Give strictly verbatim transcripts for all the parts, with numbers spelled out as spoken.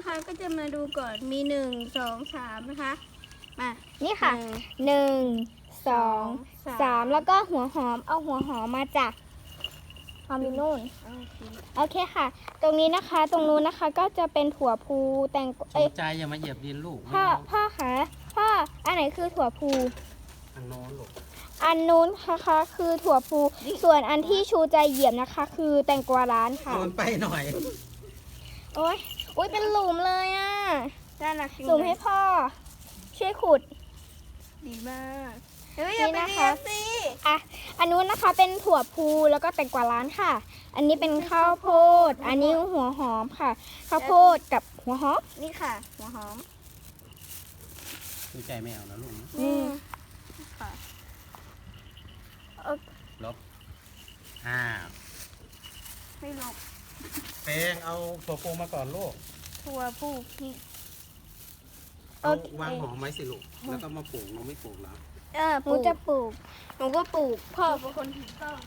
นะคะก็จะมาดูก่อนมีหนึ่งสองสามนะคะมานี่ค่ะหนึ่งสองสามแล้วก็หัวหอมเอาหัวหอมมาจากหอมอยู่นู่นโอเคค่ะ ตรงนี้นะคะตรงนู้นนะคะก็จะเป็นถั่วพูแตงสนใจอย่ามาเหยียบดินลูกพ่อพ่อคะพ่ออันไหนคือถั่วพูอันโน้นลูกอันนู้นนะคะคือถั่วพูส่วนอันที่ชูใจเหยียบนะคะ คือแตงกวาร้านค่ะโดนไปหน่อยโอ้ยโอ้ยเป็นหลุมเลยอ่ะด้านหลักหลุมให้พ่อช่วยขุดดีมากเฮ้ยอย่าไปนี่นะเรีคะยนสิอ่ะอันนู้นนะคะเป็นถั่วพูแล้วก็แตงกวาร้านค่ะ อันนี้เป็นข้าวโพดอันนี้หัวหอมค่ะ ข้าวโพดกับหัวหอมนี่ค่ะหัวหอมดูใจไม่เอานะลูกนะอืมค่ะลบห้าไม่ลบเพลงเอาตัวปูมาก่อนลูกถั่วผู้พี่เอาวางหอมไว้สิลูก แล้วก็มาปลูกเราไม่ปลูกแล้วเออหปนูลูกจะปลูกหนูก็ปลูกพ่อเป็นคนถือต้น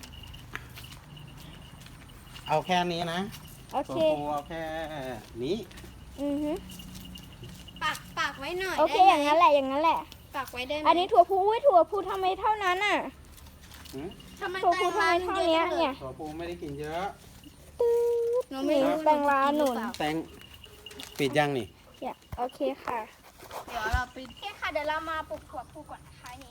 เอาแค่นี้นะโอตัวเคปูเอาแค่นี้อือฮึปักปักไว้หน่อยโอเคได้อไหมย่างนั้นแหละอย่างนั้นแหละปักไว้ได้ไหมอันนี้ถั่วพูอุ้ยถั่วพูทำไมเท่านั้นอ่ะหืมทำไมถั่วแตพูงทำไมร้านเท่าเยนี้อะจังเลยเนี่ยตัวปูไม่ได้กินเยอะหนูไม่รู้แตงร้านหนุนแตงปิดยังนี่เนี่ยโอเคค่ะเดี๋ยวเราไปโอเคค่ะเดี๋ยวเรามาปลูกถั่วพูก่อนนะคะนี่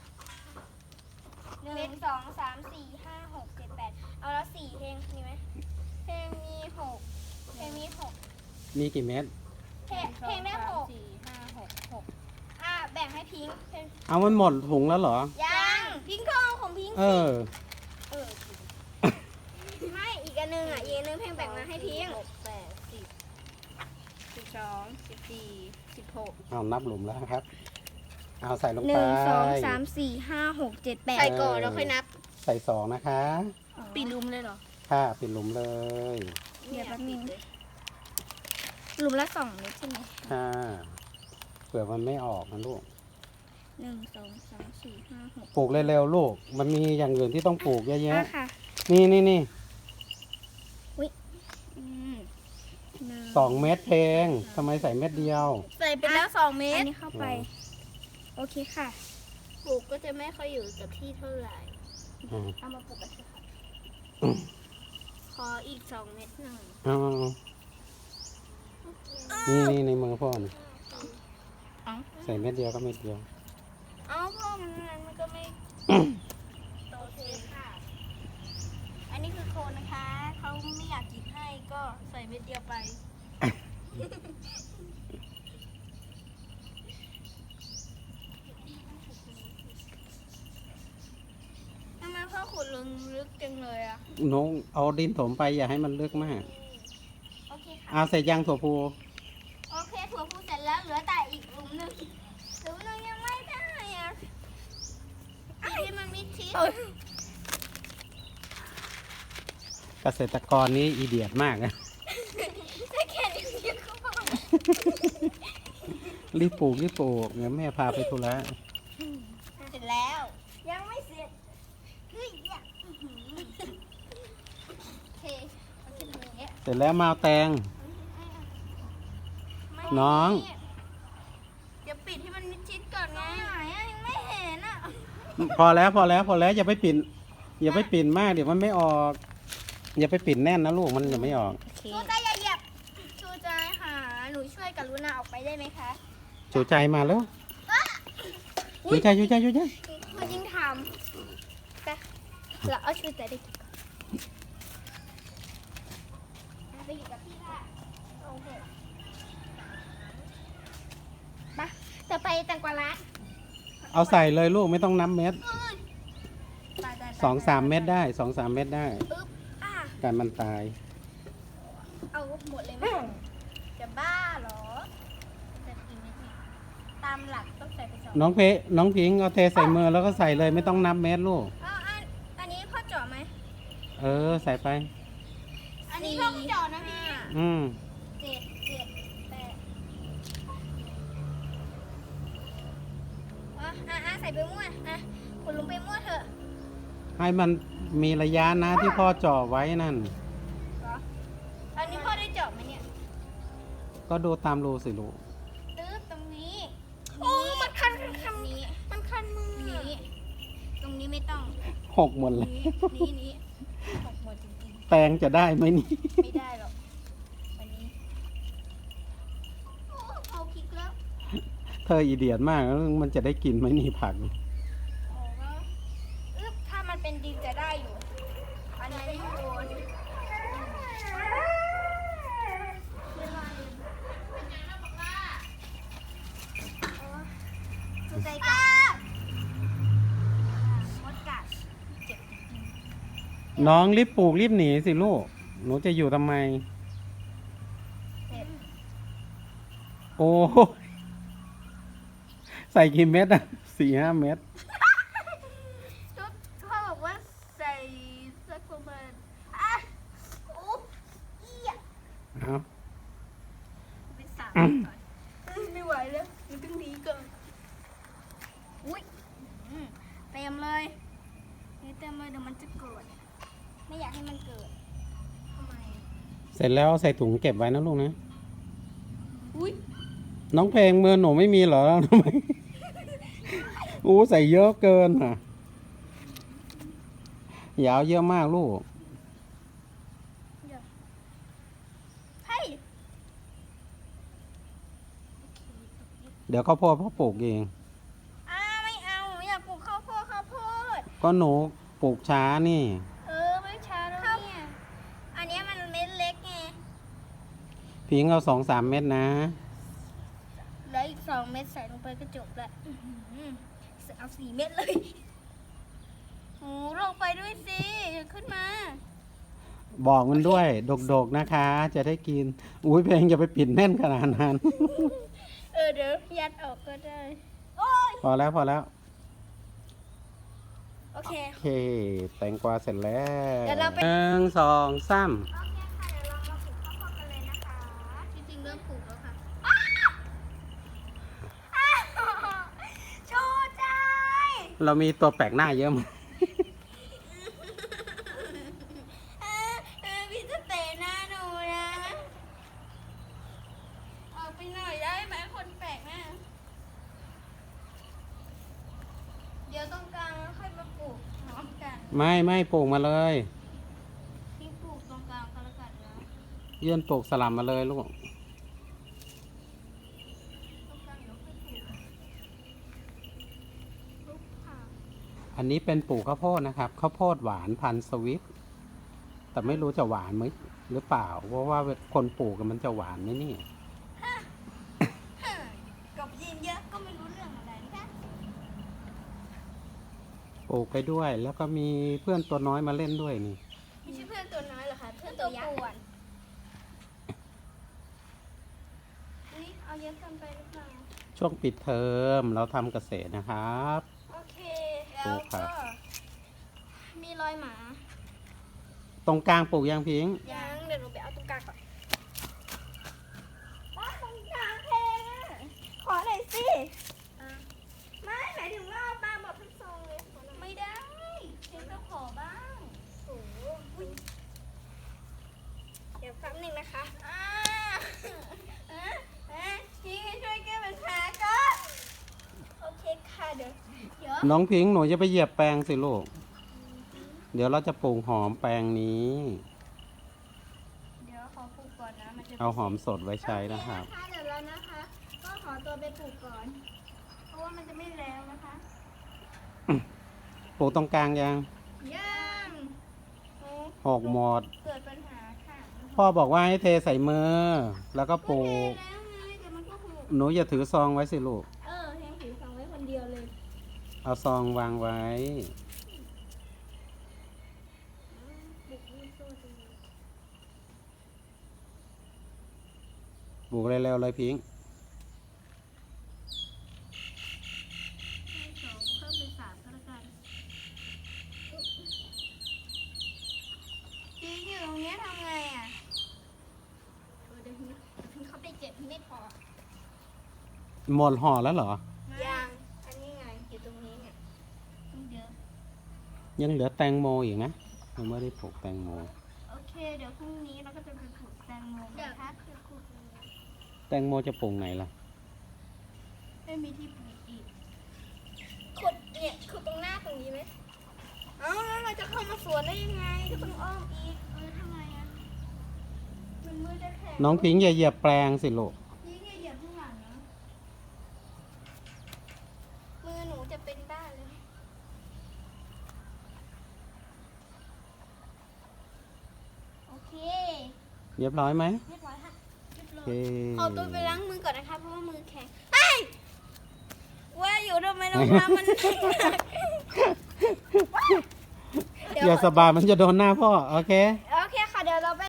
หนึ่งสองสามสี่ห้าหกเจ็ดแปดเอาแล้วสี่เพลงมีไหมเพลงมีหกเพลงมีหกมีกี่เม็ดเพลงเพลงได้หกสี่ห้าหกหกอ่ะแบ่งให้พิงค์เพลงเอามันหมดถุงแล้วเหรอยังพิงค์ก็เอาของพิงค์เออเออไม่อีกอันนึงอ่ะอีกอันนึงเพลงแบ่งมาให้พิงค์หกแปดสิบสิบสองสิบสี่สิบหกเอานับหลุมแล้วครับ เอาใส่ลงหไปนึ่งสองสามสี่ห้าหกเจ็ดแปดใส่ก่อนแล้วค่อยนับใส่สองนะคะปีลุมเลยเหรอค่ะปิดหลุมเลยเดี๋ยวแป๊บนึงเลยหลุมละสองเม็ดใช่ไหมค่ะเผื่อมันไม่ออกนะลูกหนึ่งสองสามสี่ห้าหกปลูกเร็วๆลูก มันมีอย่างอื่นที่ต้องปลูกเยอะอ่ะแยะค่ะนี่นี่นี่อืมหนึ่งสองเม็ดเพลงทำไมใส่เม็ดเดียวใส่ไปแล้วสองเมอัตนรนี้เข้าไป โอเคค่ะปลูกก็จะไม่ค่อยอยู่กับที่เท่าไหร่อืมเอามาปลูกกันเถอะค่ะขออีกสองเม็ดหน่อยเอานี่นี่ในมือพ่อนี่เอ้าใส่เม็ดเดียวก็เม็ดเดียวเอ้าพ่อมันมันมันก็ไม่โตเทค่ะ อันนี้คือโคนนะคะ เขาไม่อยากกินให้ก็ใส่เม็ดเดียวไป ทำไมพ่อขุดลงลึกจังเลยอะน้องเอาดินถมไปอย่าให้มันลึกมากโอเคค่ะเอาใส่ยางถั่วพูโอเคถั่วพูเสร็จแล้วเหลือแต่อีกหลุมหนึ่งหลุมหนึ่งยังไม่ได้อะปีที่มันมิดชิดเกษตรกรนี้อีเดียดมากนะได้แค่นี้เดียวก็พอรีบปลูกรีบปลูกเดี๋ยวแม่พาไปธุระเสร็จแล้วยังไม่เสร็จเฮ้ยเนี่ยอื้อหือโอเคเอาขึ้นมาอย่างเงี้ยเสร็จแล้วมาเอาแตงไม่น้องเดี๋ยวปิดให้มันมิดชิดก่อนไงไหนอะยังไม่เห็นอะพอแล้วพอแล้วพอแล้วอย่าไปปิ่นอย่าไปปิ่นมากเดี๋ยวมันไม่ออก อย่าไปปิ่นแน่นนะลูกมันจะไม่ออกโอเคชูใจอย่าเหยียบชูใจหาหนูช่วยกับลุนาออกไปได้ไหมคะจูใจมาแล้วจูใจจูใจจูใจเขายิ่งทำแต่เราเอาชูใจได้กี่ก่อนอ่ะไปอยู่กับพี่ค่ะโอเคมาต่อไปแตงกวาร้านเอาใส่เลยลูกไม่ต้องนับเม็ดตายตายตายสองสามเม็ดได้สองสามเม็ดได้ปึ๊บอ่ะการมันตายเอาหมดเลยไหมจะบ้าเหรอจะกินไหมเนี่ยตามหลักต้องใส่ไปสองน้องเพน้องพิงเอาเทใส่มือแล้วก็ใส่เลยไม่ต้องนับเม็ดลูกอ๋ออันอันนี้พ่อเจาะไหมเออใส่ไปอันนี้พ่อเจาะนะพี่อืมเจ็ดเจ็ดแปดอ๋ออ่ะอ่ะใส่ไปมั่วอ่ะคุณลุงไปมั่วเถอะให้มันมีระยะนะที่พ่อจ่อไว้นั่นเหรออันนี้พ่อได้เจาะไหมเนี่ยก็ดูตามรูสิลูกตื้อตรงนี้โอ้มันคันคันนี้มันคันมือนี้ตรงนี้ไม่ต้องหกหมดเลยนี้นี้นี้หกหมดจริงแปรงจะได้ไหมนี่ๆไม่ได้หรอกวันนี้โอ้เอาพริกแล้วเธออีเดียดมากแล้วมันจะได้กินไหมนี่ผักโอ้ก็อึ๊บถ้ามันเป็นดินจะได้อยู่ อันนี้ไม่โดนคือใจกัดมดกัดเจ็บจริงน้องรีบปลูกรีบหนีสิลูก หนูจะอยู่ทำไมๆเจ็บโอ้ยใส่กี่เม็ดอ่ะสี่ห้าเม็ดก็พ่อบอกว่าใส่สักประมาณอ่ะโอ้เอี้ยเอาเป็นสามก่อนเอ้ยไม่ไหวแล้วมันต้องหนีก่อนอุ้ยอืมเต็มเลยนี่เต็มเลยเดี๋ยวมันจะเกิด ไม่อยากให้มันเกิดทำไมเสร็จแล้วใส่ถุงเก็บไว้นะลูกนะอุ้ยน้องเพลงมือหนูไม่มีเหรอทำไม อู้ใส่เยอะเกินอ่ะ ยาวเยอะมากลูกเฮ้ยเดี๋ยวข้าวโพดพ่อปลูกเองอ้าไม่เอาหนูอยากปลูกข้าวโพดข้าวโพดก็หนูปลูกช้านี่เออไม่ช้าแล้วเนี่ยอันเนี้ยมันเม็ดเล็กไงพิงเอาสองสามเม็ดนะแล้วอีกสองเม็ดใส่ลงไปก็จบละอื้อหือเอาสี่เม็ดเลยโอ้ลงไปด้วยสิอย่าขึ้นมาบอกมันด้วย ดกๆนะคะ จะได้กิน อุ้ยเพลงอย่าไปปิดแน่นขนาดนั้นเออเดี๋ยวยัดออกก็ได้ โอ้ยพอแล้วพอแล้วโอเคโอเค แตงกวาเสร็จแล้วเดี๋ยวเราไปหนึ่งสองสามโอเคค่ะเดี๋ยวเรามาปลูกข้าวโพดกันเลยนะคะจริงๆเริ่มปลูกแล้วค่ะชูใจเรามีตัวแปลกหน้าเยอะมากเออเออพี่จะเตะหน้าหนูนะออกไปหน่อยได้ไหมคนแปลกหน้าเดี๋ยวตรงกลางแล้วค่อยมาปลูกพร้อมกันไม่ไม่ปลูกมาเลยพี่ปลูกตรงกลางก็แล้วกันนะยื่นปลูกสลับมาเลยลูกตรงกลางเดี๋ยวค่อยปลูกปลูกค่ะอันนี้เป็นปลูกข้าวโพดนะครับ ข้าวโพดหวานพันธุ์สวิต แต่ไม่รู้จะหวานไหมหรือเปล่า เพราะว่าคนปลูกกันมันจะหวานไหมนี่กับยินเยอะก็ไม่รู้เรื่องอะไรนะคะปลูกไปด้วย แล้วก็มีเพื่อนตัวน้อยมาเล่นด้วยนี่ไม่ใช่เพื่อนตัวน้อยเหรอคะเพื่อนตัวยักษ์อุ๊ยเอาเยอะเกินไปหรือเปล่าช่วงปิดเทอมเราทำเกษตรนะครับโอเคปลูแล้วกครัก็บมีรอยหมาตรงกลางปลูกยางพิงยังเดี๋ยวหนูไปเอาตรงกลางก่อนว้าตรงกลางเพลงอ่ะขอหน่อยสิไม่หมายถึงว่าเอาปลาบอกทั้งซองเลยไม่ได้เพลงก็ขอบ้างโอ้โหอุ๊ยเดี๋ยวแป๊บหนึงนะคะอ่าอ่ะอ่ะพี่ช่วยแก้ปัญหาก่อนโอเคค่ะเดี๋ยวเดี๋ยวน้องพิงหนูจะไปเหยียบแปลงสิลูก เดี๋ยวเราจะปลูกหอมแปลงนี้เดี๋ยวขอปลูกก่อนนะมันจะเอาหอมสดไว้ใช้นะครับโอเนะคะเดี๋ยวเรานะคะ ก็ขอตัวไปปลูกก่อน เพราะว่ามันจะไม่แล้วนะคะปลูกตรงกลางยังยังโอ้หกหมดเกิดปัญหาค่ะพ่อบอกว่าให้เทใส่มือ แล้วก็ปลูกก็เทแล้วไงแต่มันก็หกหนูอย่าถือซองไว้สิลูกเออแทงถือสองไว้คนเดียวเลยเอาซองวางไว้ปลูกไม่สู้จริงปลูกเร็วๆเลยพิงให้สองเพิ่มเป็นสามก็แล้วกันจริงอยู่ตรงเนี้ยทำไงอ่ะเออเดี๋ยวพี่เดี๋ยวพี่เข้าไปเก็บไม่พอหมดห่อแล้วเหรอยัง อันนี้ไงอยู่ตรงนี้เนี่ยต้องเยอะยังเหลือแตงโมอีกนะยังไม่ได้ปลูกแตงโมโอเค เดี๋ยวพรุ่งนี้เราก็จะไปปลูกแตงโมกันนะคะคือปลูกแตงโมจะปลูกไหนล่ะไม่มีที่ปลูกอีกขุดเนี่ยขุดตรงหน้าตรงนี้ไหมเอ้าแล้วเราจะเข้ามาสวนได้ยังไงก็ต้องอ้อมอีกเออทำไมอ่ะมันมือจะแข็งน้องพิงค์อย่าเหยียบแปลงสิลูกนี่ไงเหยียบข้างหลังนะมือหนูจะเป็นบ้าเลยโอเคเรียบร้อยไหมเรียบร้อยค่ะเรียบร้โออยเคขอตัวไปล้างมือก่อนนะคะเพราะว่ามือแข็งไอ้ยว่าอยู่ทำไมรองเท้ามันหนักอย่าสบายมันจะโดนหน้าพ่อ โอเค